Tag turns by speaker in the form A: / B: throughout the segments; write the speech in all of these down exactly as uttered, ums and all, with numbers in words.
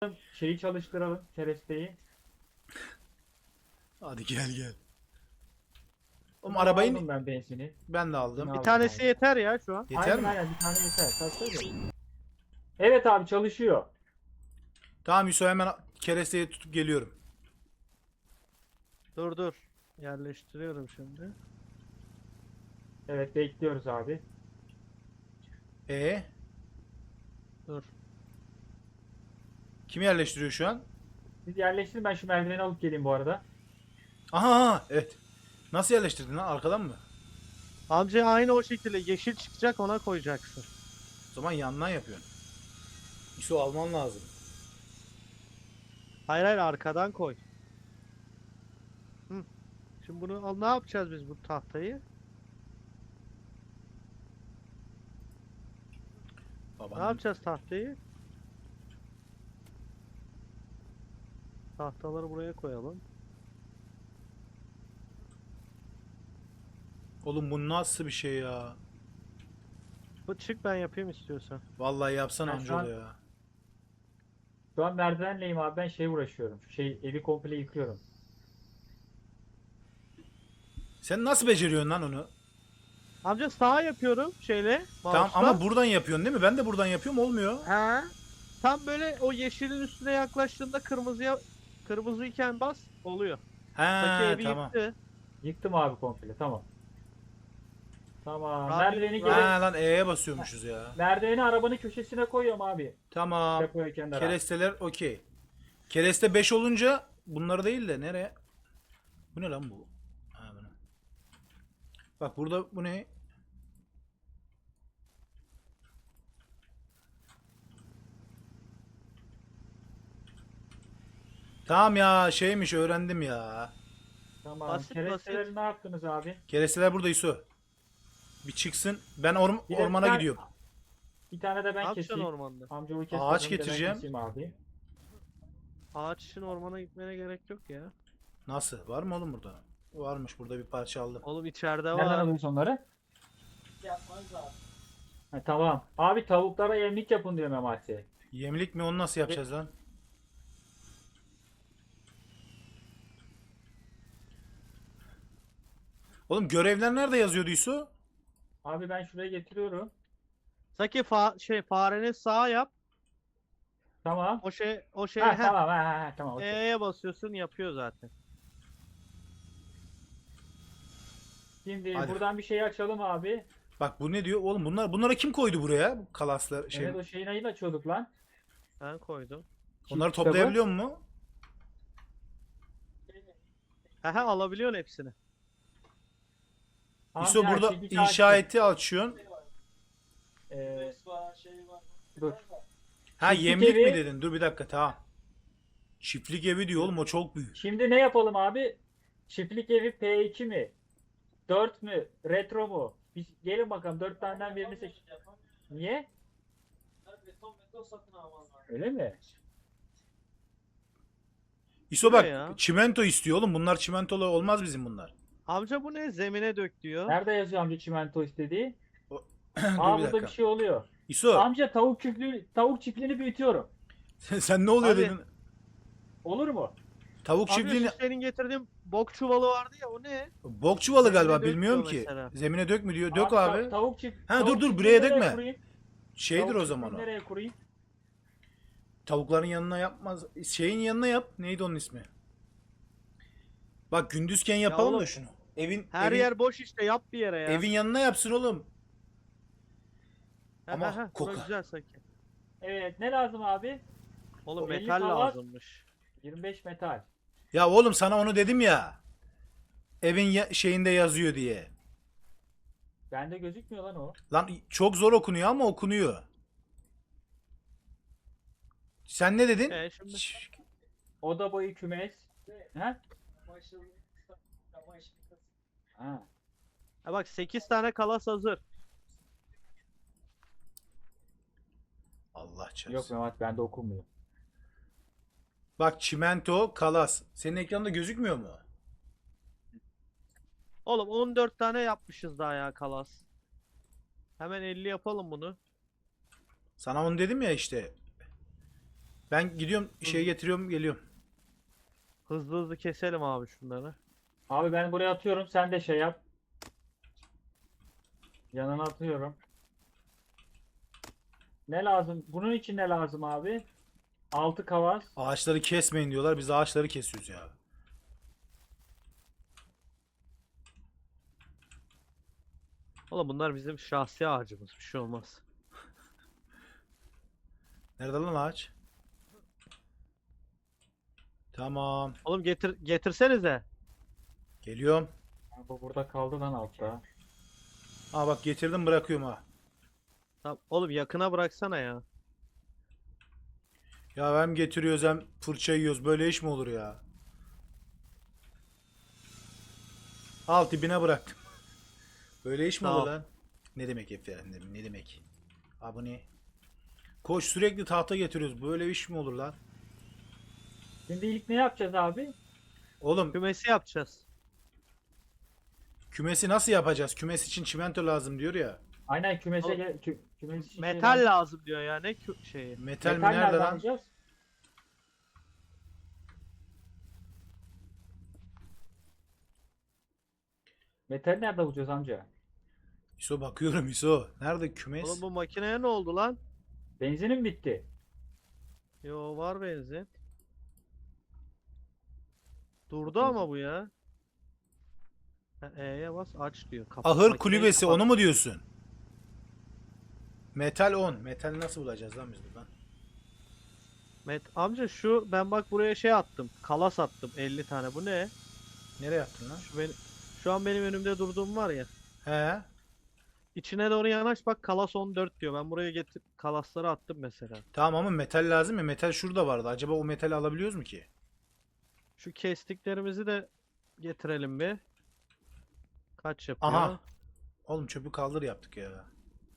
A: Şeyi çalıştıralım. Keresteyi.
B: Hadi gel gel. Oğlum
A: Tamam,
B: arabayı
A: aldım ben benzini.
B: ben de
A: Benzini
B: aldım.
C: Bir
A: aldım
C: tanesi
A: abi.
C: yeter ya şu an.
B: Yeter
A: Aynen
B: mi?
A: aynen bir tane yeter. Tabii tabii. Evet abi çalışıyor.
B: Tamam Yusuf, hemen keresteyi tutup geliyorum.
C: Dur dur. Yerleştiriyorum şimdi.
A: Evet bekliyoruz abi.
B: E
C: Dur.
B: kim yerleştiriyor şu an?
A: Siz yerleştirin, ben şu merdiveni alıp geleyim bu arada.
B: Aha, aha, evet. Nasıl yerleştirdin lan? Arkadan mı?
C: Amca aynı o şekilde yeşil çıkacak, ona koyacaksın.
B: O zaman yandan yapıyorsun. Yusuf alman lazım.
C: Hayır hayır, arkadan koy. Hı. Şimdi bunu al, ne yapacağız biz bu tahtayı? Ne
B: Babanın.
C: yapacağız tahtayı? Tahtaları buraya koyalım.
B: Oğlum bu nasıl bir şey ya?
C: Bu çık, ben yapayım istiyorsan.
B: Vallahi yapsan
A: Ben şu
B: amcaoğlu
A: an,
B: ya.
A: şu an merdivenleyim abi, ben şey uğraşıyorum. Şu şey evi komple yıkıyorum.
B: Sen nasıl beceriyorsun lan onu?
C: Amca sağa yapıyorum şeyle,
B: Tamam
C: mouse'la.
B: ama buradan yapıyorsun değil mi? Ben de buradan yapıyorum, olmuyor.
C: He. Tam böyle o yeşilin üstüne yaklaştığında kırmızıya kırmızıyken bas, oluyor. Saki
B: He
C: evi
B: tamam.
C: yıktı.
A: Yıktım abi komple, tamam. Tamam.
C: Radyo-
A: Merdiveni
C: radyo-
A: geri
B: Ha lan E'ye basıyormuşuz ya.
A: merdiveni arabanın köşesine koyuyorum abi.
B: Tamam.
A: Depoya kenara.
B: Keresteler okey. Kereste beş olunca bunları değil de nereye? Bu ne lan bu? Ha, bunu. Bak burada bu ne? Tamam ya, şeymiş, öğrendim ya.
A: Tamam.
C: Basit
A: Keresteleri
C: basit.
A: ne yaptınız abi?
B: Keresteler burada Yusuf. Bir çıksın. Ben orm-
A: Bir de bir
B: ormana
A: tane-
B: gidiyorum.
A: Bir tane de
C: Ne
A: ben
C: yapacaksın
A: keseyim.
C: ormanda?
A: Amcamı kes.
B: Ağaç
A: bakalım, bir de ben
B: getireceğim.
A: keseyim abi.
C: Ağaç için ormana gitmene gerek yok ya.
B: Nasıl? Var mı oğlum burada? Varmış, burada bir parça aldım.
C: Oğlum içeride
A: Nereden
C: var.
A: alıyorsun onları? Ha, tamam. Abi tavuklara yemlik yapın diyor Memati.
B: Yemlik mi? Onu nasıl yapacağız lan? Oğlum görevler nerede yazıyordu Yusuf?
A: Abi ben şuraya getiriyorum.
C: Saki fa şey fareni sağa yap.
A: Tamam.
C: O şey o şey
A: Ha
C: heh,
A: tamam ha, ha, ha, tamam. Okey.
C: E'ye basıyorsun, yapıyor zaten.
A: Şimdi
B: Hadi.
A: buradan bir şey açalım abi.
B: Bak bu ne diyor? Oğlum bunlar bunlara kim koydu buraya? Bu kalaslar şey.
A: Evet o şeyin ayını açıyorduk lan.
C: Ben koydum.
B: Onları
A: Çift kitabı.
B: toplayabiliyor mu?
C: Hehe, alabiliyorsun hepsini.
B: Yusuf
A: Amca,
B: burada
A: çekiç
B: inşaatı açıyorsun.
A: Ee, dur.
B: Ha
A: Çiftlik
B: yemlik
A: evi-
B: mi dedin? Dur bir dakika, tamam. Çiftlik evi diyor oğlum, o çok büyük.
A: Şimdi ne yapalım abi? Çiftlik evi P iki mi? dört mü? Retro mu? Biz gelin bakalım, dört taneden birini seç. Niye? Öyle mi?
B: Yusuf
C: Bu ne
B: bak
C: ya?
B: çimento istiyor oğlum. Bunlar çimentolu olmaz bizim bunlar.
C: Amca bu ne? Zemine dök diyor.
A: Nerede yazıyor amca çimento istediği?
B: Dur
A: Aa
B: bir
A: burada
B: dakika.
A: bir şey oluyor.
B: Yusuf
A: Amca tavuk çiftliği, tavuk çiftliğini büyütüyorum.
B: sen, sen ne oluyor
C: Abi,
B: dedin?
A: Olur mu?
B: Tavuk
C: Amca
B: çiftliğini...
C: şu senin getirdiğin bok çuvalı vardı ya, o ne?
B: Bok çuvalı
C: Zemine
B: galiba,
C: dök
B: bilmiyorum
C: diyor
B: ki.
C: mesela.
B: Zemine dök mü diyor. Dök
A: ta-
B: abi.
A: tavuk çift.
B: Ha,
A: tavuk
B: dur, dur,
A: çiftliğini
B: buraya
A: nereye
B: dökme.
A: kurayım?
B: Şeydir
A: Tavuk
B: o zaman o.
A: çiftliğini nereye kurayım?
B: Tavukların yanına yapmaz. Şeyin yanına yap. Neydi onun ismi? Bak gündüzken yapalım da
C: oğlum,
B: şunu. Evin
C: Her
B: evin,
C: yer boş işte, yap bir yere ya.
B: evin yanına yapsın oğlum.
C: He,
B: ama
C: he, he, bura
B: kokar.
C: güzel Saki.
A: Evet ne lazım abi?
C: Oğlum
A: O elli
C: metal
A: kavat.
C: lazımmış.
A: yirmi beş metal.
B: Ya oğlum sana onu dedim ya. Evin ya- şeyinde yazıyor diye.
A: Bende gözükmüyor lan o.
B: Lan çok zor okunuyor ama okunuyor. Sen ne dedin?
C: E şimdi
B: Şş,
A: Oda boyu kümes. Ha? Ha.
C: ha bak, sekiz tane kalas hazır.
B: Allah çarpsın.
A: Yok Mehmet, bende okunmuyor.
B: Bak çimento, kalas. Senin ekranda gözükmüyor mu?
C: Oğlum on dört tane yapmışız daha ya kalas. Hemen elli yapalım bunu.
B: Sana onu dedim ya işte. Ben gidiyorum şey getiriyorum geliyorum.
C: Hızlı hızlı keselim abi şunları.
A: Abi ben buraya atıyorum. Sen de şey yap. Yanına atıyorum. Ne lazım? Bunun için ne lazım abi? Altı kavas.
B: Ağaçları kesmeyin diyorlar. Biz ağaçları kesiyoruz ya.
C: Oğlum bunlar bizim şahsi ağacımız. Bir şey olmaz.
B: Nerede lan ağaç? Tamam.
C: Oğlum getir getirsenize.
B: Geliyorum.
A: Ha, bu burada kaldı lan altta.
B: Aa bak getirdim bırakıyorum ha.
C: Tamam. Oğlum yakına bıraksana ya.
B: Ya hem getiriyoruz hem fırça yiyoruz. Böyle iş mi olur ya? Al dibine bıraktım. Böyle iş mi olur
C: Tamam.
B: lan? Ne demek efendim? Ne demek? Abone. Koş sürekli tahta getiriyoruz. Böyle iş mi olur lan?
A: Şimdi ilk ne yapacağız abi?
B: Oğlum
C: Kümesi yapacağız.
B: kümesi nasıl yapacağız? Kümes için çimento lazım diyor ya.
A: Aynen kümese
C: Oğlum,
A: gel kü kümes için şey
C: Metal
A: lazım.
C: lazım diyor ya. Ne kü- şeyi.
B: Metal, mi
A: Metal
B: nerede
A: nereden
B: lan?
A: alacağız? Metal nerede bulacağız amca?
B: İso bakıyorum İso. Nerede kümes?
C: Oğlum bu makineye ne oldu lan?
A: Benzinim bitti.
C: Yo var benzin. Durdu ama bu ya. Ha, E'ye bas aç diyor. Kapat,
B: Ahır
C: makineyi
B: kulübesi
C: kapat.
B: onu mu diyorsun? Metal on. Metal nasıl bulacağız lan biz buradan?
C: Met amca şu ben bak buraya şey attım. Kalas attım elli tane. Bu ne?
B: Nereye yaptın lan?
C: Şu benim şu an benim önümde durduğum var ya.
B: He.
C: İçine doğru yanaş bak kalas on dört diyor. Ben buraya getir kalasları attım mesela.
B: Tamam ama metal lazım ya. Metal şurada vardı. Acaba o metali alabiliyoruz mu ki?
C: Şu kestiklerimizi de getirelim bir. Kaç yapıyor?
B: Aha. Oğlum çöpü kaldır yaptık ya.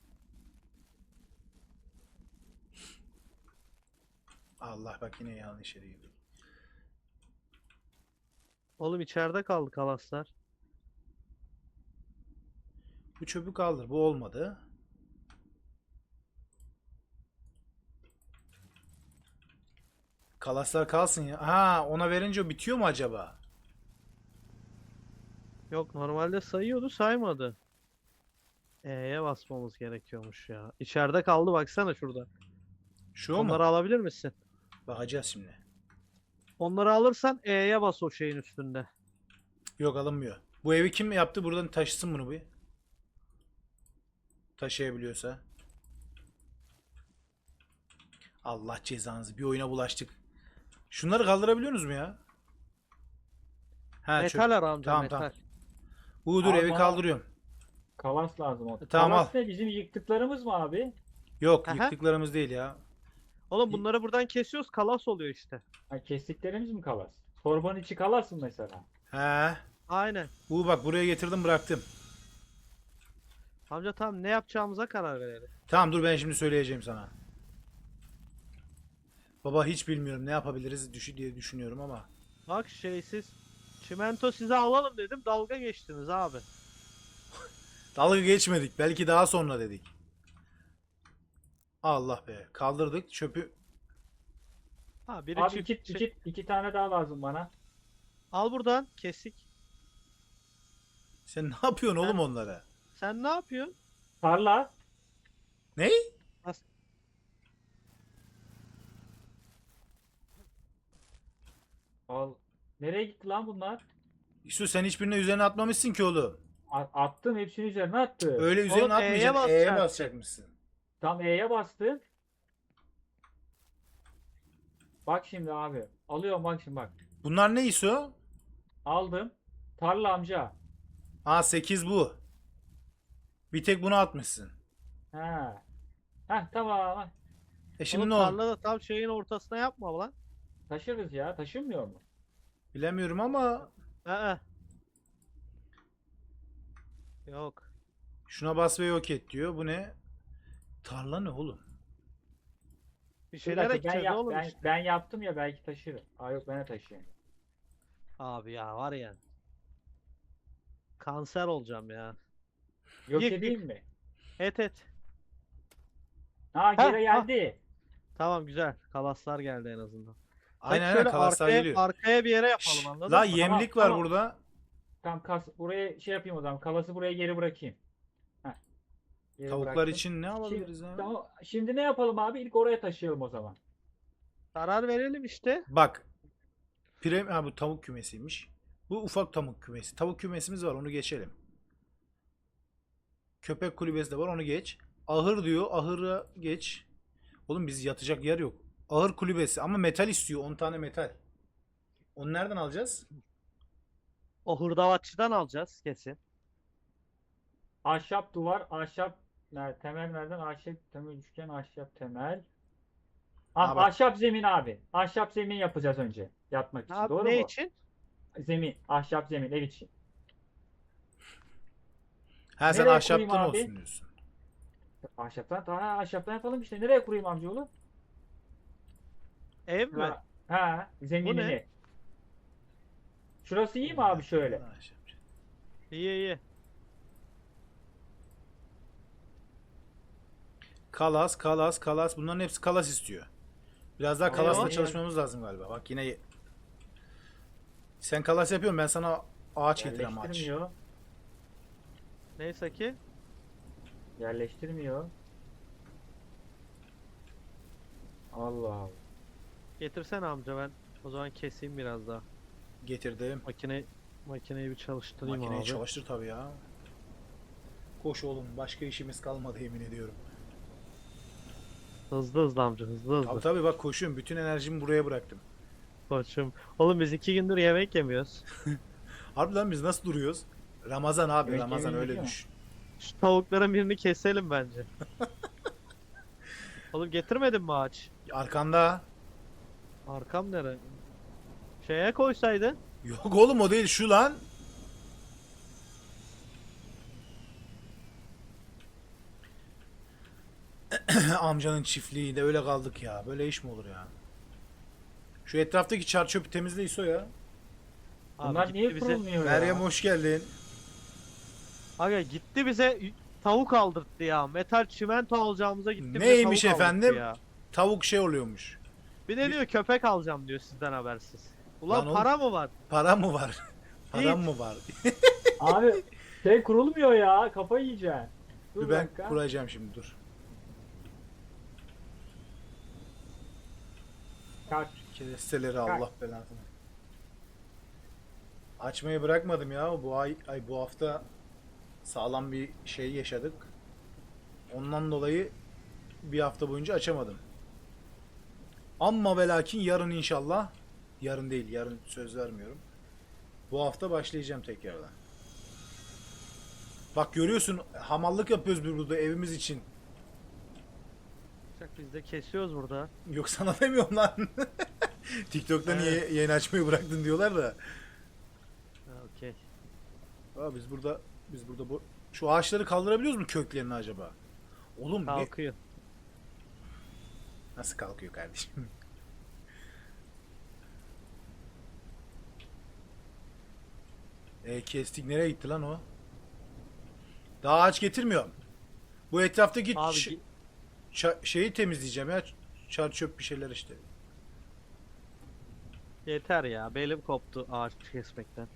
B: Allah bak yine yanlış yere girdik.
C: Oğlum içeride kaldı kalaslar.
B: Bu çöpü kaldır. Bu olmadı. Kalaslar kalsın ya. Ha ona verince o bitiyor mu acaba?
C: Yok normalde sayıyordu saymadı. E'ye basmamız gerekiyormuş ya. İçeride kaldı baksana şurada.
B: Şu o
C: Onları
B: mu?
C: alabilir misin?
B: Bakacağız şimdi.
C: Onları alırsan E'ye bas o şeyin üstünde.
B: Yok alınmıyor. Bu evi kim yaptı? Buradan taşısın bunu bir. Taşıyabiliyorsa. Allah cezanızı. Bir oyuna bulaştık. Şunları kaldırabiliyorsunuz mu ya? Ha, çöp.
C: Metal ara amca
B: Tamam,
C: metal.
B: tamam. Uğur dur
A: Abi
B: evi
A: bana-
B: kaldırıyorum.
A: Kalas lazım o.
B: Tamam,
A: Kalas
B: al.
A: ne? Bizim yıktıklarımız mı abi?
B: Yok
C: Aha.
B: yıktıklarımız değil ya.
C: Oğlum bunları buradan kesiyoruz kalas oluyor işte.
A: Ha, kestiklerimiz mi kalas? Torbanın içi kalas mı mesela?
B: He.
C: Aynen.
B: Uğur bak buraya getirdim bıraktım.
C: Amca tamam ne yapacağımıza karar verelim.
B: Tamam dur ben şimdi söyleyeceğim sana. Baba hiç bilmiyorum ne yapabiliriz düşü diye düşünüyorum ama.
C: Bak şeysiz. Çimento size alalım dedim dalga geçtiniz abi.
B: Dalga geçmedik. Belki daha sonra dedik. Allah be. Kaldırdık çöpü.
C: Ha biri
A: Abi
C: çift
A: iki,
C: şey-
A: iki, iki tane daha lazım bana.
C: Al buradan kesik.
B: Sen ne yapıyorsun oğlum
C: Ha.
B: onlara?
C: Sen ne yapıyorsun?
A: Tarla.
B: Ne?
C: As-
A: Al. Nereye gitti lan bunlar?
B: İşte sen hiçbirine üzerine atmamışsın ki oğlum.
A: A- attım hepsini üzerine attı.
B: Öyle üzerine
C: Oğlum, E'ye
B: atmayacaksın. E'ye
C: basacaksın.
B: basacakmışsın.
A: Tam E'ye bastım. Bak şimdi abi. Alıyorum bak şimdi bak.
B: Bunlar ne İso?
A: Aldım. Tarla amca.
B: Aa sekiz bu. Bir tek bunu atmışsın.
A: Ha. Heh tamam.
B: E şimdi
C: Oğlum
B: ne oldu?
C: tarlada tam şeyin ortasına yapma lan.
A: Taşırız ya. Taşınmıyor mu?
B: Bilemiyorum ama
C: Aa. Yok.
B: şuna bas ve yok et diyor. Bu ne? Tarla ne oğlum?
C: Bir
A: Bir
C: şeyler
A: dakika, ben,
C: ekeceğiz
A: yap,
C: oğlum
A: ben,
C: işte.
A: ben yaptım ya belki taşırım. Aa yok ben de taşıyayım.
C: Abi ya var ya. Kanser olacağım ya.
A: Yok
C: Yık,
A: edeyim mi?
C: Et et.
A: Ha
C: Ha,
A: geri geldi.
C: Tamam güzel. Kalaslar geldi en azından. Sanki
B: Aynen aynen
C: şöyle
B: kalaslar
C: arkaya,
B: geliyor.
C: arkaya bir yere
B: Şşş,
C: yapalım anladın
B: la
C: mı?
B: yemlik var
A: tamam.
B: burada.
A: Tamam kas buraya şey yapayım o zaman. Kalası buraya geri bırakayım. Heh, geri
B: Tavuklar
A: bıraktım.
B: için ne
A: Şimdi,
B: alabiliriz ya?
A: tamam, şimdi ne yapalım abi? İlk oraya taşıyalım o zaman.
C: Karar verelim işte.
B: Bak. Prem ha bu tavuk kümesiymiş. Bu ufak tavuk kümesi. Tavuk kümesimiz var onu geçelim. Köpek kulübesi de var onu geç. Ahır diyor. Ahıra geç. Oğlum biz yatacak yer yok. Ahır kulübesi ama metal istiyor. on tane metal. Onu nereden alacağız?
C: O hırdavatçıdan alacağız kesin.
A: Ahşap duvar, ahşap ner- temel nereden? Ahşap temel üçgen, ahşap temel. Ah,
B: Ha bak.
A: ahşap zemin abi. Ahşap zemin yapacağız önce yatmak için.
C: Abi
A: Doğru
C: ne
A: mu?
C: için?
A: Zemin, ahşap zemin ev için.
B: Ha sen
A: Nereye
B: ahşaptan
A: kurayım abi?
B: olsun diyorsun.
A: Ahşaptan, ha, ahşaptan yapalım işte. Nereye kurayım amcaoğlu?
C: Ev mi?
A: Ha, ha,
C: Bu ne?
A: zeminini. Şurası iyi mi abi şöyle?
C: İyi iyi.
B: Kalas, kalas, kalas. Bunların hepsi kalas istiyor. Biraz daha
A: Tamam,
B: kalasla
A: yani-
B: çalışmamız lazım galiba. Bak yine sen kalas yapıyorsun ben sana ağaç getireyim ağaç.
A: Yerleştirmiyor.
C: Neyse ki.
A: Yerleştirmiyor. Allah Allah.
C: Getirsene amca ben. O zaman keseyim biraz daha.
B: Getirdim.
C: Makine makineyi bir çalıştırayım
B: Makineyi
C: abi.
B: çalıştır tabii ya. Koş oğlum başka işimiz kalmadı yemin ediyorum.
C: Hızlı hızlı amca hızlı hızlı.
B: Tabii tabii bak koşuyorum. Bütün enerjimi buraya bıraktım.
C: Koçum. Oğlum biz iki gündür yemek yemiyoruz.
B: Harbiden biz nasıl duruyoruz? Ramazan abi
A: Yemek
B: Ramazan
A: yemeyi
B: öyle
A: biliyor
B: düşün.
C: Şu tavukların birini keselim bence. Oğlum getirmedin mi ağaç?
B: Arkanda.
C: Arkam nere? Şeye koysaydın.
B: Yok oğlum o değil şu lan. Amcanın çiftliğinde öyle kaldık ya. Böyle iş mi olur ya? Şu etraftaki çar çöpü temizle İso ya.
C: Abi
A: Bunlar
C: gitti
A: niye
C: bize.
A: kurulmuyor ya?
B: Meryem hoş geldin.
C: Aga gitti bize tavuk aldırttı ya. Metal çimento alacağımıza gitti bize
B: Neymiş
C: tavuk aldırttı
B: efendim?
C: ya.
B: Tavuk şey oluyormuş.
C: Bir de diyor köpek alacağım diyor sizden habersiz. Ulan
B: Lan oğlum-
C: para mı var?
B: Para mı var? Param
C: Hiç.
B: mı var?
A: Abi şey kurulmuyor ya. Kafayı yiyeceksin. Dur
B: Dur
A: bir
B: ben
A: dakika.
B: kuracağım şimdi dur.
A: Kalk.
B: Keresteleri Allah belasını. Açmayı bırakmadım ya. Bu ay, ay bu hafta sağlam bir şey yaşadık. Ondan dolayı bir hafta boyunca açamadım. Amma ve lakin yarın inşallah. Yarın değil, yarın söz vermiyorum. Bu hafta başlayacağım tekrardan. Bak görüyorsun hamallık yapıyoruz biz burada evimiz için.
C: Bak biz de kesiyoruz burada.
B: Yok sana demiyorum lan. TikTok'ta niye
C: Evet.
B: yayın açmayı bıraktın diyorlar da.
C: Ha, okey.
B: Aa, biz burada biz burada bu şu ağaçları kaldırabiliyoruz mu köklerini acaba? Oğlum ne?
C: Kalkıyor.
B: Nasıl kalkıyor kardeşim? E kestik nereye gitti lan o? Daha ağaç getirmiyorum. Bu etraftaki
C: Abi
B: ç-
C: gi-
B: ça- şeyi temizleyeceğim ya. Çar çöp bir şeyler işte.
C: yeter ya. Belim koptu ağaç kesmekten.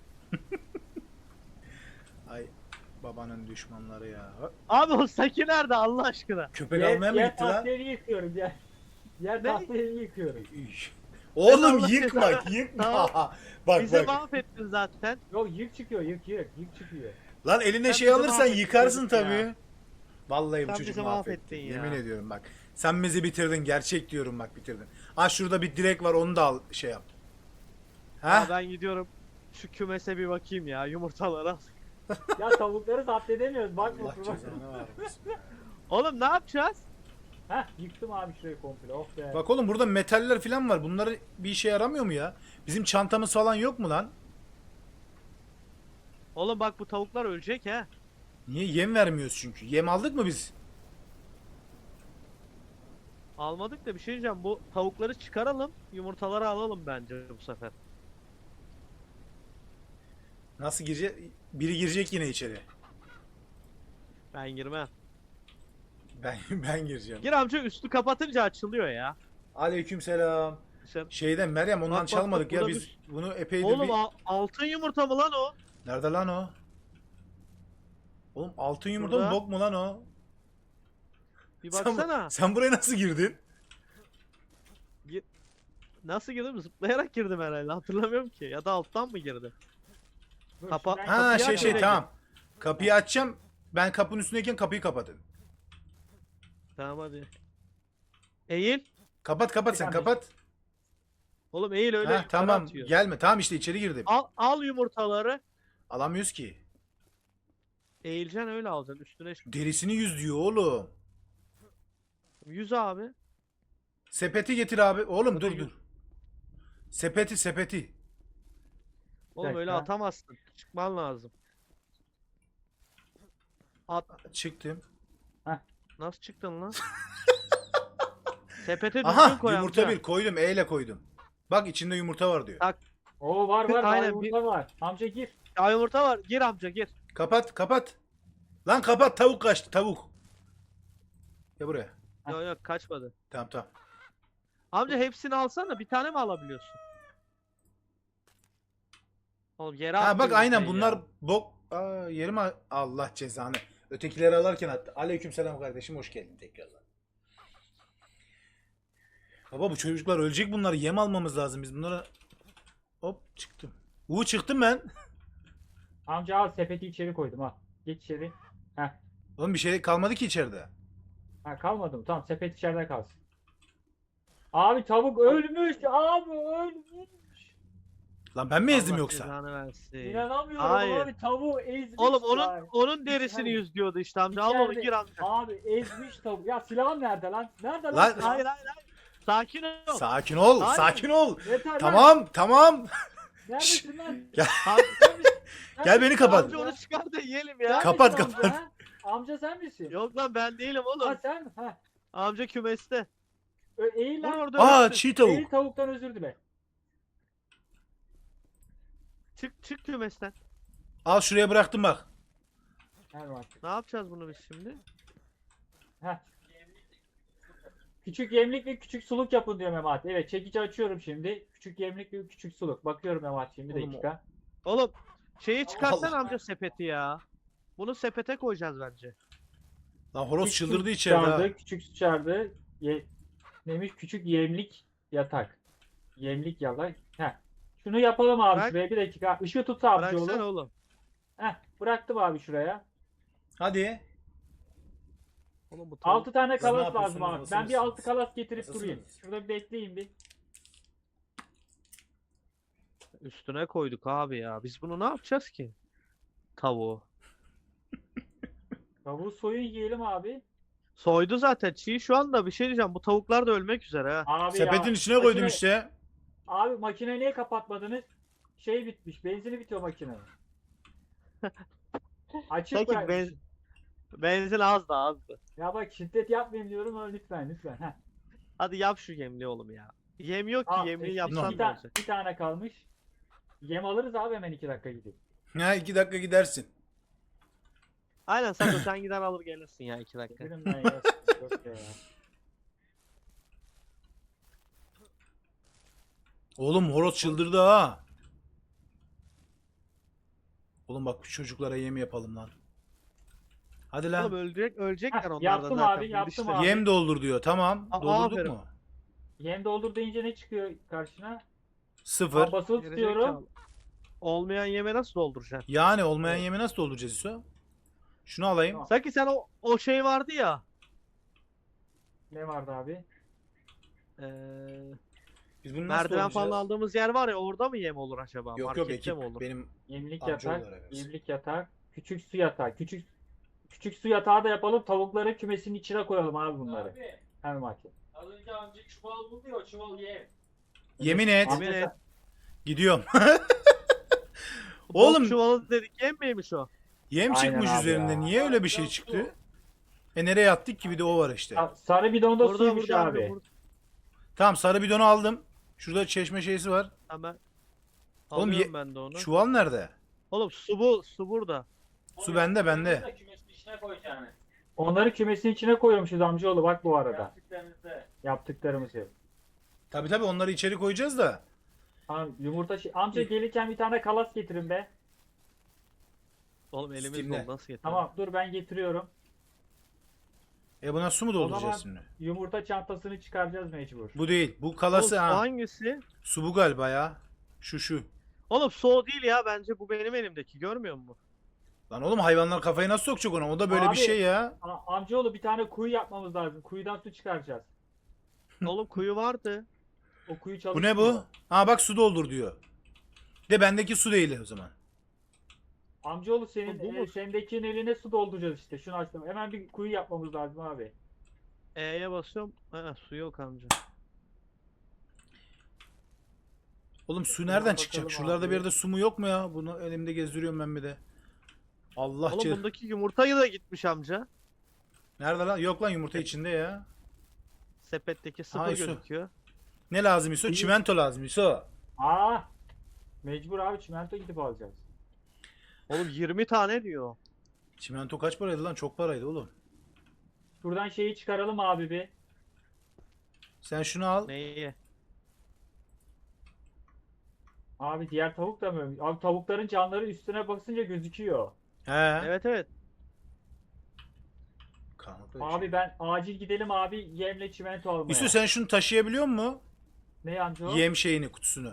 B: Ay babanın düşmanları ya. Ha,
C: Abi o Saki nerede Allah aşkına?
B: köpek
A: Yer,
B: almaya mı
A: yer
B: gitti lan?
A: tahtayı yıkıyorum. Yer, yer
C: Ne?
A: tahtayı yıkıyorum.
B: Üş. Oğlum
C: Allah
B: yıkma
C: cezanı-
B: yıkma.
C: Tamam.
B: Bak
C: Bize
B: bak.
C: mahvettin zaten.
A: Yok yık çıkıyor yık yık. Yık çıkıyor.
B: Lan eline
C: Sen
B: şey
C: bizi
B: alırsan
C: mahvettin
B: yıkarsın
C: çocuk ya.
B: tabii. Vallahi bu
C: Sen
B: çocuk
C: bizi
B: mahvetti.
C: mahvettin ya.
B: Yemin ediyorum bak. Sen bizi bitirdin. Gerçek diyorum bak bitirdin. Ha şurada bir direk var onu da al şey yap.
C: Ya
B: Ha?
C: ben gidiyorum. Şu kümese bir bakayım ya yumurtalara.
A: Ya tavukları zapt edemiyoruz. Bakma
B: Allah
A: kurban.
B: cezanı vermesin.
C: Oğlum ne yapacağız?
A: Heh yıktım abi şurayı komple. Oh be.
B: Bak oğlum burada metaller falan var. Bunları bir işe yaramıyor mu ya? Bizim çantamız falan yok mu lan?
C: Oğlum bak bu tavuklar ölecek ha.
B: Niye yem vermiyoruz çünkü? Yem aldık mı biz?
C: Almadık da bir şey diyeceğim. Bu tavukları çıkaralım. Yumurtaları alalım bence bu sefer.
B: Nasıl girecek? Biri girecek yine içeri.
C: Ben girmem.
B: Ben ben gireceğim.
C: Gir amca, üstü kapatınca açılıyor ya.
B: Aleykümselam.
C: Sen...
B: Şeyden Meryem ondan
C: Bak, bak,
B: çalmadık
C: bak,
B: ya
C: burada
B: biz
C: bir-
B: bunu epeydir
C: Oğlum
B: bir...
C: a- altın yumurta mı lan o?
B: Nerede lan o? Oğlum altın yumurta mı
C: Burada.
B: bok mu lan o?
C: Bir
B: Sen,
C: baksana.
B: sen buraya nasıl girdin?
C: Nasıl girdim? Zıplayarak girdim herhalde. Hatırlamıyorum ki. Ya da alttan mı girdim?
A: Dur,
C: Kapa-
A: şuradan-
B: Ha
C: Kapıyı
B: şey
C: aç,
B: şey
C: öyle
B: tamam. Kapıyı açacağım. Ben kapının üstündeyken kapıyı kapatın.
C: Tamam hadi. Eğil.
B: Kapat kapat sen
A: Tamam.
B: kapat.
C: Oğlum eğil, öyle
B: Ha,
C: yukarı
B: tamam
C: atıyor.
B: gelme. Tamam işte içeri girdim.
C: Al, al yumurtaları.
B: Alamıyoruz ki.
C: Eğileceksin, öyle alacaksın. Üstüne çık.
B: Derisini yüz diyor oğlum.
C: Yüz abi.
B: Sepeti getir abi. Oğlum
C: Sepeti
B: dur
C: yüz.
B: dur. Sepeti sepeti.
C: Oğlum öyle
A: dakika.
C: atamazsın. Çıkman lazım. At.
B: Çıktım.
C: Nasıl çıktın lan? Sepete düzgün
B: Aha
C: koy
B: yumurta
C: amca.
B: bir koydum. E ile koydum. Bak içinde yumurta var diyor.
C: Ha.
A: Oo var var.
C: Aynen,
A: Aynen,
C: bir-
A: var. Amca gir.
C: Ya yumurta var. Gir amca, gir.
B: Kapat kapat. Lan kapat tavuk kaçtı tavuk. Gel buraya.
A: Heh.
C: Yok yok, kaçmadı.
B: Tamam tamam.
C: Amca hepsini alsana. Bir tane mi alabiliyorsun? Oğlum yere
B: Ha
C: attı
B: bak aynen
C: yumurtayı
B: bunlar
C: ya.
B: bok. Aa, yerim a- Allah cezanı. Ötekileri alarken attı. Aleykümselam kardeşim hoş geldin tekrardan. Baba bu çocuklar ölecek, bunları yem almamız lazım biz bunlara. Hop çıktım. Uuu çıktım ben.
A: Amca al, sepeti içeri koydum ha. Geç içeri. Heh.
B: Oğlum bir şey kalmadı ki içeride.
A: Ha, kalmadı mı? Tamam, sepet içeride kalsın. Abi tavuk ölmüş. Abi ölmüş.
B: Lan ben mi ezdim
C: Allah
B: yoksa?
C: cezanı versin.
A: İnanamıyorum
C: Hayır.
A: abi, tavuğu ezmiş.
C: Oğlum onun
A: ya.
C: onun derisini
A: İçeride-
C: yüz diyordu işte amca. Al onu,
A: İçeride-
C: gir amca.
A: Abi ezmiş tavuk. Ya silahın nerede lan? Nerede lan?
B: Lan-
A: silahın?
C: Hayır hayır hayır. Sakin ol.
B: Sakin ol,
C: Hayır.
B: sakin ol.
A: Yeter lan.
B: Tamam, tamam.
A: Neredesin lan?
B: Gel.
C: Amca,
B: Gel beni kapat.
C: amca onu çıkar da yiyelim
A: Sen
C: ya.
B: Kapat,
A: misin
B: kapat.
A: Amca, ha? Amca sen misin?
C: Yok lan, ben değilim oğlum.
A: Ha sen mi? Ha.
C: Amca kümeste.
A: Ö- Eğil
C: Vur
A: lan.
C: orada.
B: Aa
C: ölsün.
B: çiğ
A: Eğil,
B: tavuk.
A: tavuktan özür dile.
C: Çık çık kümesten.
B: Al şuraya bıraktım bak.
A: Ver bak.
C: Ne yapacağız bunu biz şimdi?
A: Heh. Küçük yemlik ve küçük suluk yapın diyor Memat. Evet, çekici açıyorum şimdi. Küçük yemlik ve küçük suluk. Bakıyorum Memat şimdi, bir
B: Oğlum,
A: dakika.
C: Oğlum şeyi çıkarsan
B: Allah.
C: amca, sepeti ya. Bunu sepete koyacağız bence.
B: Lan horoz
A: Küçük
B: çıldırdı
A: su
B: içeride ha.
A: çağırdı, küçük su çağırdı. Ye neymiş? Küçük yemlik yatak. Yemlik yatak. Heh. Şunu yapalım abi
C: Bırak.
A: şuraya, bir dakika. Işığı tut abi
C: Bıraksana
A: yolu.
C: oğlum.
A: Heh, bıraktım abi şuraya.
B: Hadi.
C: Oğlum bu tavuk.
A: altı tane
B: Siz ne
A: kalas lazım
B: yapıyorsunuz?
A: abi.
B: Nasıl
A: Ben bir
B: mısınız?
A: altı kalas getirip
B: Nasılsınız?
A: durayım. Şurada bir bekleyin bir.
C: Üstüne koyduk abi ya. Biz bunu ne yapacağız ki? Tavuğu.
A: Tavuğu soyun yiyelim abi.
C: Soydu zaten çiğ şu anda, bir şey diyeceğim. Bu tavuklar da ölmek üzere ha.
A: Abi
B: Sepetin
A: ya,
B: içine koydum
A: makine-
B: işte.
A: Abi makineyi niye kapatmadınız? Şey bitmiş. Benzini bitiyor makinenin. Açık
C: Sanki
A: bırakmış.
C: benz- benzin az da azdı.
A: Ya bak, şiddet yapmayayım diyorum ama lütfen lütfen. Heh.
C: Hadi yap şu yemli oğlum ya. Yem yok ki,
A: Al,
C: yemliği
A: işte
C: yapsan
A: bir,
C: ne
A: ta-
C: olacak?
A: bir tane kalmış. Yem alırız abi hemen iki dakika gidip.
B: Ha iki dakika gidersin.
C: Aynen Sako, sen gider alır gelirsin ya iki dakika.
A: Dedim ben ya. Yok ya.
B: Oğlum horoz çıldırdı ha. Oğlum bak şu çocuklara yem yapalım lan. Hadi lan.
C: Oğlum ölecek, ölecekler
A: Heh,
C: onlar da
A: yaptım
C: zaten.
A: abi, yaptım
C: bilişler.
A: abi.
B: Yem doldur diyor. Tamam.
C: Aa,
B: Doldurduk
C: aferin.
B: mu?
A: Yem doldur deyince ne çıkıyor karşına?
B: Sıfır.
A: Aa, basılı
C: Gerizekalı.
A: tutuyorum.
C: Olmayan yeme nasıl dolduracaksın?
B: Yani olmayan
A: Evet.
B: yemi nasıl dolduracağız İso? Şunu alayım.
A: Tamam.
C: Sanki sen o, o şey vardı ya.
A: Ne vardı abi?
C: Eee
B: Biz bunu nasıl
C: merdiven falan
B: dolduracağız?
C: aldığımız yer var ya, orada mı yem olur acaba?
B: Yok yok
C: Markette
B: ekip.
C: mi olur?
B: Benim
A: Yemlik
B: Amca
A: yatak,
B: olarak versin.
A: yemlik yatak, küçük su yatağı. Küçük küçük su yatağı da yapalım. Tavukları kümesinin içine koyalım abi bunları.
D: Abi
A: Hemen makine.
D: az önce amca çuval buldu ya, o çuval yem.
B: yemin et.
A: Amca
C: Yemin
A: sen-
C: et.
B: Gidiyorum.
C: Oğlum
B: Oğlum-
C: çuvalı dedik, yem miymiş o?
B: Yem
A: Aynen
B: çıkmış
A: abi
B: üzerinde.
A: ya.
B: Niye öyle bir şey çıktı? E nereye attık ki, bir de o var işte.
A: Sa- Sarı bidonda
C: Burada
A: suymuş
C: burada
A: abi.
C: abi. Burada.
B: Tamam sarı bidonu aldım. Şurada çeşme şeysi var.
C: Hemen.
B: Oğlum
C: Alıyorum
B: ye-
C: ben de onu.
B: Çuval nerede?
C: Oğlum su bu, su burada.
B: Su bende, bende.
D: Onu da kümesin içine koyacaksın.
A: Onları kümesin içine koyuyormuşuz amcaoğlu bak bu arada.
D: Yaptıklarınızda.
A: Yaptıklarımızı.
B: Tabii tabii onları içeri koyacağız da.
A: Tamam yumurta şey. Amca gelirken bir tane kalas getirin be.
C: Oğlum elimiz
B: Steam'de.
C: dolu nasıl yeter?
A: Tamam dur ben getiriyorum.
B: E buna su mu
A: O
B: dolduracağız
A: zaman
B: şimdi?
A: yumurta çantasını çıkaracağız mecbur.
B: Bu değil. Bu
C: Oğlum,
B: kalası
C: su
B: ha.
C: hangisi?
B: Su bu galiba ya. Şu şu.
C: Oğlum su o değil ya bence bu benim elimdeki görmüyor musun?
B: Lan oğlum hayvanlar kafayı nasıl sokacak ona? O da böyle
A: Abi-
B: bir şey ya.
A: A- amcaoğlu bir tane kuyu yapmamız lazım. Kuyudan su çıkaracağız.
C: Oğlum kuyu vardı.
A: O kuyu
B: Bu
A: çalışmıyor.
B: ne bu? Ha bak su doldur diyor. De bendeki su değil o zaman.
A: Amcaoğlu senin
C: Bu- bu
A: e,
C: mu?
A: sendekinin eline su dolduracağız işte. Şunu açtım. Hemen bir kuyu yapmamız lazım abi.
C: E'ye basıyorum. Ha, su yok amca.
B: Oğlum su
A: Şuna
B: nereden
A: bakalım
B: çıkacak? Şuralarda
A: abi.
B: bir yerde su mu yok mu ya? Bunu elimde gezdiriyorum ben bir de. Allah
C: Oğlum
B: ce-
C: bundaki yumurtayı da gitmiş amca.
B: Nerede lan? Yok lan yumurta içinde ya.
C: Sepetteki sıfır
B: Ay, su.
C: gözüküyor.
B: Ne lazım İso?
A: İyi.
B: Çimento lazım İso.
A: Aa! Mecbur abi çimento gidip alacağız.
C: Oğlum yirmi tane diyor.
B: Çimento kaç paraydı lan? Çok paraydı oğlum.
A: Şuradan şeyi çıkaralım abi bir.
B: Sen şunu al.
C: Neyi?
A: Abi diğer tavuk da mı? ölmüş? Abi tavukların canları üstüne basınca gözüküyor.
B: He.
C: Evet evet.
B: Karanlıkta bir
A: Abi
B: şey.
A: ben acil gidelim abi yemle çimento almaya.
B: İso sen şunu taşıyabiliyor musun?
A: Ne amca o?
B: Yem şeyini, kutusunu.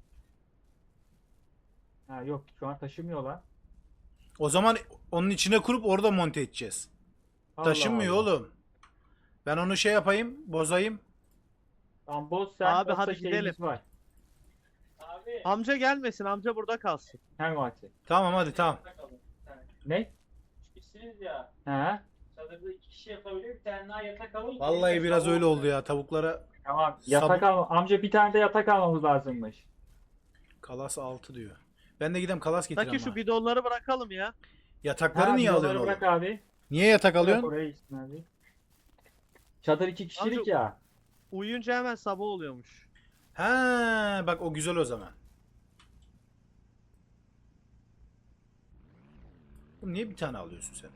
A: Ha yok şu an taşımıyorlar.
B: O zaman onun içine kurup orada monte edeceğiz.
A: Allah
B: Taşınmıyor
A: Allah.
B: oğlum. Ben onu şey yapayım, bozayım.
A: Tamam boz sen.
C: Abi,
A: yoksa
C: hadi
A: şeyimiz
C: gidelim.
A: Var.
D: Abi.
C: Amca gelmesin amca burada kalsın.
A: Hem vakti.
B: Tamam hadi tamam.
D: Bakalım. Bir tane.
A: Ne?
D: İkisiniz ya.
A: Ha?
D: Çadırda iki kişi yapabiliyor. Bir tane daha yatak alın.
B: Vallahi
D: Bir de
B: biraz
D: sabah
B: öyle oldu ya. Tavuklara
A: Tamam.
B: Sab-
A: Yatak alma. Amca bir tane de yatak almamız lazımmış.
B: kalas altı diyor. Ben de gidem kalas getireyim
C: Taki şu
B: ama.
C: bidonları bırakalım ya.
B: Yatakları
A: Ha,
B: niye
A: bidonları
B: alıyorsun
A: bırak
B: oğlum?
A: abi.
B: Niye yatak
A: Bırak
B: alıyorsun?
A: oraya gitsin abi. Çadır iki kişilik
C: Amca-
A: ya.
C: Uyuyunca hemen sabah oluyormuş.
B: Ha, bak o güzel o zaman. Oğlum niye bir tane alıyorsun sen?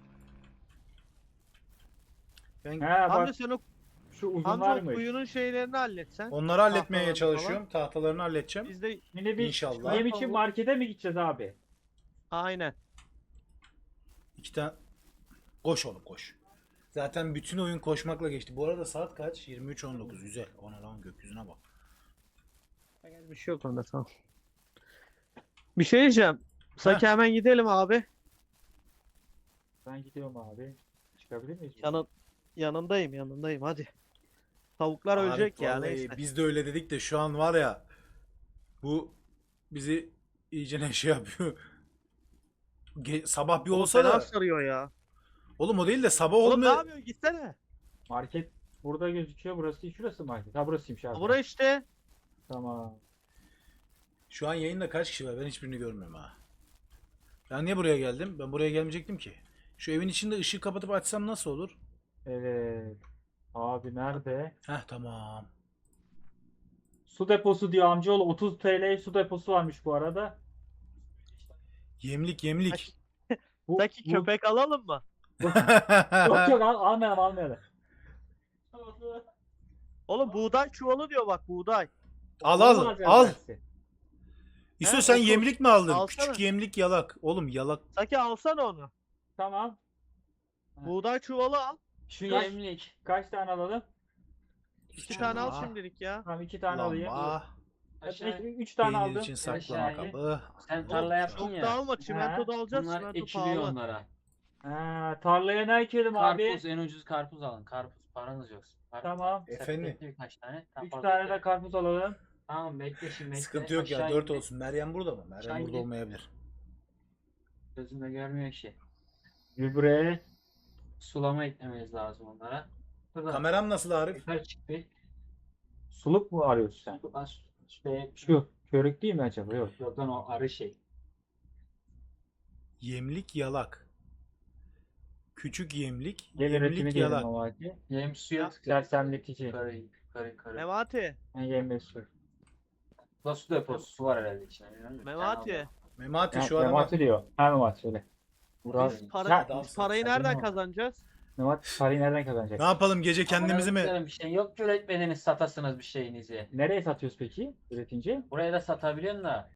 B: Ben
A: Ha
C: Amca
A: bak
C: sen o,
A: şu
C: amca o
A: uzunlarmış.
C: kuyunun şeylerini halletsen.
B: onları halletmeye
C: tahtalarını
B: çalışıyorum. Tahtalarını halledeceğim.
C: Biz de
A: Şimdi bir
B: İnşallah.
A: yem için markete mi gideceğiz abi?
C: aynen.
B: İki tane. Koş oğlum koş. Zaten bütün oyun koşmakla geçti. Bu arada saat kaç? yirmi üç on dokuz. Güzel. Ona lan gökyüzüne bak.
C: Bir şey yok onda tamam. Bir şey diyeceğim. Saki hemen gidelim abi.
A: Ben gidiyorum abi. Çıkabilir miyiz?
C: Yanın, yanındayım yanındayım hadi. Tavuklar
B: Abi,
C: ölecek ya
B: vallahi
C: neyse.
B: biz de öyle dedik de şu an var ya bu bizi iyice ne şey yapıyor. Ge- sabah bir
C: Oğlum
B: olsa
C: fena
B: da
C: sarıyor ya.
B: oğlum o değil de sabah
C: Oğlum ne
B: olmuyor.
C: yapıyorsun gitsene.
A: Market burada gözüküyor. Burası şurası market. Ha burasıymış abi.
C: Bura işte.
A: Tamam.
B: Şu an yayında kaç kişi var? Ben hiçbirini görmüyorum ha. Ben niye buraya geldim? Ben buraya gelmeyecektim ki. Şu evin içinde ışığı kapatıp açsam nasıl olur?
A: Evet. Abi nerede?
B: Heh tamam.
A: Su deposu diyor amcaoğlu. otuz T L su deposu varmış bu arada.
B: Yemlik yemlik.
A: Bu,
C: Saki
A: bu-
C: köpek alalım mı?
A: Yok yok al, almayalım almayalım.
C: Oğlum buğday çuvalı diyor bak buğday.
B: Al
A: Onu
B: al
A: alacağız
B: al.
A: dersi.
B: İso
C: He,
B: sen
C: otur.
B: yemlik mi aldın?
C: Alsana.
B: Küçük yemlik yalak. Oğlum yalak.
C: Saki alsana onu.
A: Tamam.
C: Buğday çuvalı al.
A: Şu
D: Kaç-
A: yemlik. Kaç tane alalım?
C: İki tane al
B: Lamba,
C: şimdilik ya.
A: Tamam iki tane alayım.
B: Lamba,
D: Aşağı.
A: Üç, üç tane
B: peynir
A: aldım.
B: için saklama
D: Aşağı in.
B: kabı.
D: Sen tarla yaptın
C: Çok
D: ya.
C: da alma çimento
A: He.
C: da alacağız.
D: Bunlar
C: Çimento
D: ekiliyor
C: pahalı.
D: onlara.
A: Ha, tarlaya ne ekelim abi?
D: Karpuz en ucuz karpuz alın. Karpuz paranız yoksa. Karpuz.
A: Tamam.
B: Efendim?
D: Sepetli birkaç tane. Tam
A: Üç
D: fazla
A: tane
D: değil.
A: de karpuz alalım.
D: Tamam bekle şimdi bekle.
B: Sıkıntı yok ya.
D: Aşağı
B: Dört
D: in.
B: olsun. Meryem burada mı? Meryem
D: Aşağı
B: burada
D: in.
B: olmayabilir.
D: Gözümle görmüyor ki.
A: Gübre.
D: Sulama eklememiz lazım onlara. Burada
B: Kameram nasıl Arif?
D: yukarı çık bir.
A: Suluk mu arıyorsun sen?
D: Şu, aş- şuraya, şu.
A: Şu. Körük değil mi acaba? Yok.
D: Yok lan o arı şey.
B: Yemlik yalak. Küçük yemlik.
A: Gel üretimi
B: Yemlik
A: diyelim
B: yalak.
A: o vakti.
D: Yem suya
A: Sersemletici.
D: yukarı yukarı yukarı.
C: Memati.
A: Yani yem ve su.
D: Burada su deposu su var herhalde içinde. bilmiyorum da bir tane
C: Memati.
D: aldım.
B: Memati
A: Ha,
B: şu an ama
A: Memati diyor. Ha Memati söyle. Burak.
C: Biz, para,
A: Ya,
C: biz
B: adamsın,
C: parayı
B: sen
C: nereden
A: de-
C: kazanacağız?
A: Nevat parayı nereden kazanacak?
B: Ne yapalım gece kendimizi mi?
D: Amına Bir şey yok ki üretmediniz satasınız bir şeyinizi.
A: Nereye satıyoruz peki üretince?
D: Buraya da satabiliyorsun da.